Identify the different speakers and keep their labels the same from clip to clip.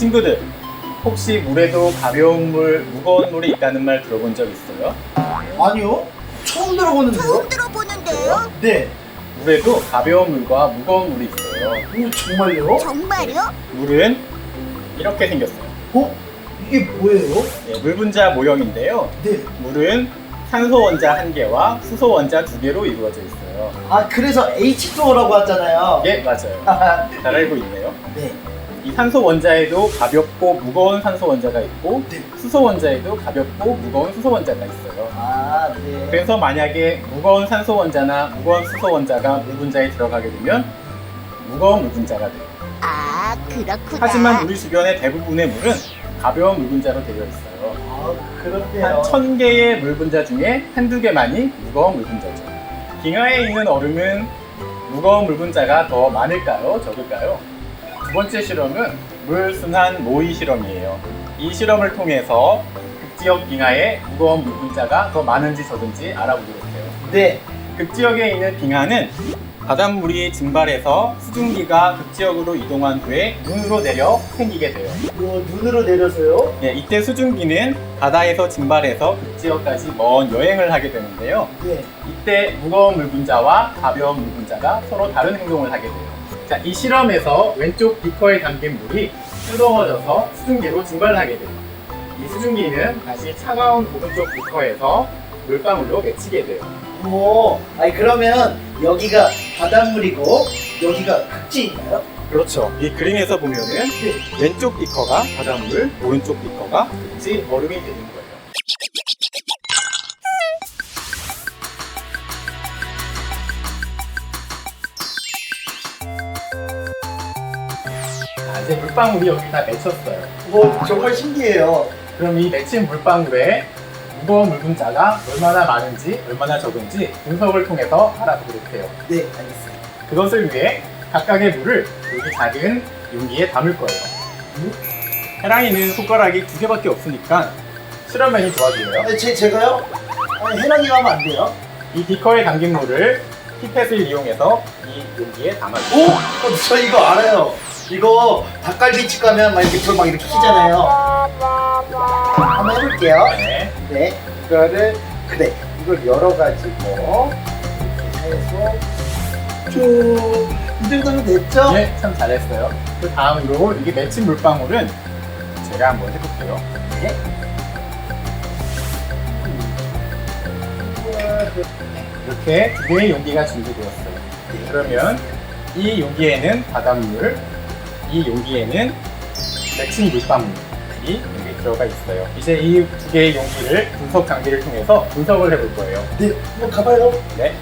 Speaker 1: 친구들, 혹시 물에도 가벼운 물, 무거운 물이 있다는 말 들어본 적 있어요?
Speaker 2: 아니요? 처음 들어보는데요?
Speaker 3: 처음 들어보는데요?
Speaker 2: 네.
Speaker 1: 물에도 가벼운 물과 무거운 물이 있어요.
Speaker 2: 오, 정말요?
Speaker 3: 정말요?
Speaker 1: 물은 이렇게 생겼어요.
Speaker 2: 어? 이게 뭐예요?
Speaker 1: 네, 물 분자 모형인데요.
Speaker 2: 네.
Speaker 1: 물은 산소 원자 1개와 수소 원자 2개로 이루어져 있어요.
Speaker 2: 아, 그래서 H2O라고 하잖아요.
Speaker 1: 예, 맞아요. 잘 알고 있네요.
Speaker 2: 네.
Speaker 1: 이 산소 원자에도 가볍고 무거운 산소 원자가 있고
Speaker 2: 네.
Speaker 1: 수소 원자에도 가볍고 무거운 수소 원자가 있어요.
Speaker 2: 아, 네.
Speaker 1: 그래서 만약에 무거운 산소 원자나 무거운 수소 원자가 물 분자에 들어가게 되면 무거운 물 분자가 돼요.
Speaker 3: 아, 그렇구나.
Speaker 1: 하지만 우리 주변의 대부분의 물은 가벼운 물 분자로 되어 있어요.
Speaker 2: 아,
Speaker 1: 한
Speaker 2: 그렇네요.
Speaker 1: 1000개의 물 분자 중에 한두 개만이 무거운 물 분자죠. 빙하에 있는 얼음은 무거운 물 분자가 더 많을까요? 적을까요? 두 번째 실험은 물 순환 모의 실험이에요. 이 실험을 통해서 극지역 빙하에 무거운 물 분자가 더 많은지 적은지 알아보도록 해요.
Speaker 2: 네.
Speaker 1: 극지역에 있는 빙하는 바닷물이 증발해서 수증기가 극지역으로 이동한 후에 눈으로 내려 생기게 돼요.
Speaker 2: 뭐, 눈으로 내려서요?
Speaker 1: 네, 이때 수증기는 바다에서 증발해서 극지역까지 먼 여행을 하게 되는데요.
Speaker 2: 네.
Speaker 1: 이때 무거운 물 분자와 가벼운 물 분자가 서로 다른 행동을 하게 돼요. 자, 이 실험에서 왼쪽 비커에 담긴 물이 뜨거워져서 수증기로 증발하게 돼요. 이 수증기는 다시 차가운 오른쪽 비커에서 물방울로 맺히게 돼요.
Speaker 2: 오, 아니, 그러면 여기가 바닷물이고, 여기가 극지인가요?
Speaker 1: 그렇죠. 이 그림에서 보면은
Speaker 2: 네.
Speaker 1: 왼쪽 비커가 바닷물, 오른쪽 비커가 극지 얼음이 되는 거예요. 자, 이제 물방울이 여기 다 맺혔어요.
Speaker 2: 뭐, 정말 신기해요.
Speaker 1: 그럼 이 맺힌 물방울에 무거운 물 분자가 얼마나 많은지, 얼마나 적은지 분석을 통해서 알아보도록 해요.
Speaker 2: 네, 알겠습니다.
Speaker 1: 그것을 위해 각각의 물을 여기 작은 용기에 담을 거예요. 해랑이는 손가락이 2개밖에 없으니까 실험맨이 도와줘요.
Speaker 2: 아니, 제가요? 아니, 해랑이가 하면 안 돼요?
Speaker 1: 이 비커에 담긴 물을 피펫을 이용해서 이 용기에 담아줘요.
Speaker 2: 오! 저 이거 알아요. 이거 닭갈비집 가면 막 이렇게 불 막 이렇게 켜잖아요. 한번 해볼게요.
Speaker 1: 네.
Speaker 2: 네, 이거를 그래, 이걸 열어가지고 이렇게 해서 쭉, 이 정도면 됐죠?
Speaker 1: 네, 참 잘했어요. 그 다음으로 이게 맺힌 물방울은 제가 한번 해볼게요.
Speaker 2: 네.
Speaker 1: 이렇게 2개의 용기가 준비되었어요. 그러면 이 용기에는 바닷물, 이 용기에는 맺힌 물방울이 여기 들어가 있어요. 이제 이 2개의 용기를 분석 장비를 통해서 분석을 해볼 거예요.
Speaker 2: 네, 한번 가봐요.
Speaker 1: 네.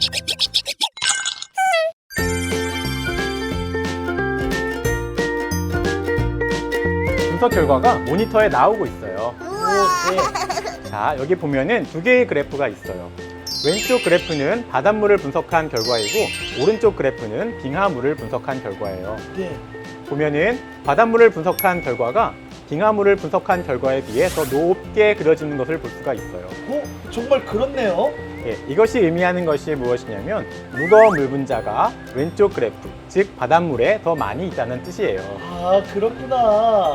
Speaker 1: 분석 결과가 모니터에 나오고 있어요.
Speaker 3: 우와.
Speaker 1: 자, 여기 보면은 2개의 그래프가 있어요. 왼쪽 그래프는 바닷물을 분석한 결과이고 오른쪽 그래프는 빙하물을 분석한 결과예요.
Speaker 2: 네.
Speaker 1: 보면은 바닷물을 분석한 결과가 빙하물을 분석한 결과에 비해 더 높게 그려지는 것을 볼 수가 있어요.
Speaker 2: 정말 그렇네요.
Speaker 1: 예, 이것이 의미하는 것이 무엇이냐면 무거운 물 분자가 왼쪽 그래프, 즉 바닷물에 더 많이 있다는 뜻이에요.
Speaker 2: 아, 그렇구나.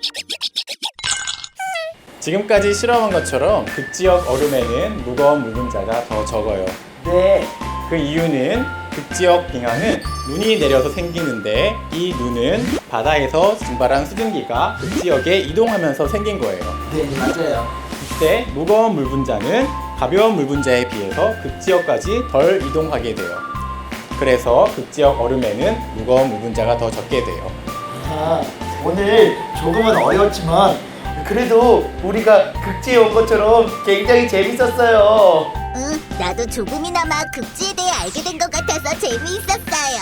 Speaker 1: 지금까지 실험한 것처럼 극지역 얼음에는 무거운 물 분자가 더 적어요.
Speaker 2: 네.
Speaker 1: 그 이유는 극지역 빙하는 눈이 내려서 생기는데 이 눈은 바다에서 증발한 수증기가 극지역에 이동하면서 생긴 거예요.
Speaker 2: 네, 맞아요.
Speaker 1: 이때 무거운 물 분자는 가벼운 물 분자에 비해서 극지역까지 덜 이동하게 돼요. 그래서 극지역 얼음에는 무거운 물 분자가 더 적게 돼요.
Speaker 2: 아, 오늘 조금은 어려웠지만 그래도 우리가 극지에 온 것처럼 굉장히 재밌었어요.
Speaker 3: 응, 나도 조금이나마 극지에 대해 알게 된 것 같아서 재미있었어요.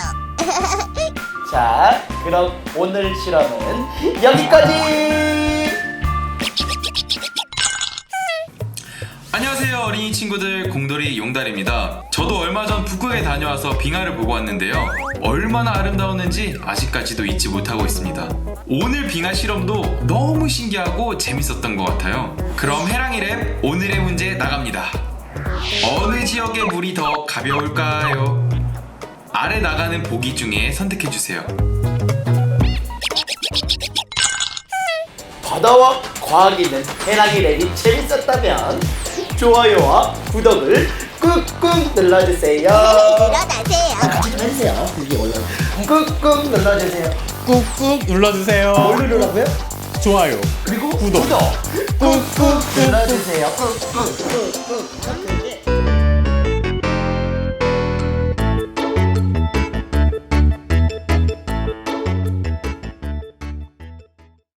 Speaker 2: 자, 그럼 오늘 실험은 여기까지!
Speaker 4: 안녕하세요 어린이 친구들, 공돌이 용달입니다. 저도 얼마 전 북극에 다녀와서 빙하를 보고 왔는데요, 얼마나 아름다웠는지 아직까지도 잊지 못하고 있습니다. 오늘 빙하 실험도 너무 신기하고 재밌었던 것 같아요. 그럼 해랑이랩 오늘의 문제 나갑니다. 어느 지역의 물이 더 가벼울까요? 아래 나가는 보기 중에 선택해주세요.
Speaker 2: 바다와 과학이 있는 해랑이 랩이 재밌었다면 좋아요와 구독을 꾹꾹 눌러주세요.
Speaker 3: 일어나세요.
Speaker 2: 같이 좀 해주세요. 여기 올라. 꾹꾹 눌러주세요.
Speaker 1: 꾹꾹 눌러주세요.
Speaker 2: 뭘 누르라고요?
Speaker 1: 좋아요.
Speaker 2: 그리고
Speaker 1: 구독.
Speaker 2: 꾹꾹 눌러주세요. 꾹꾹.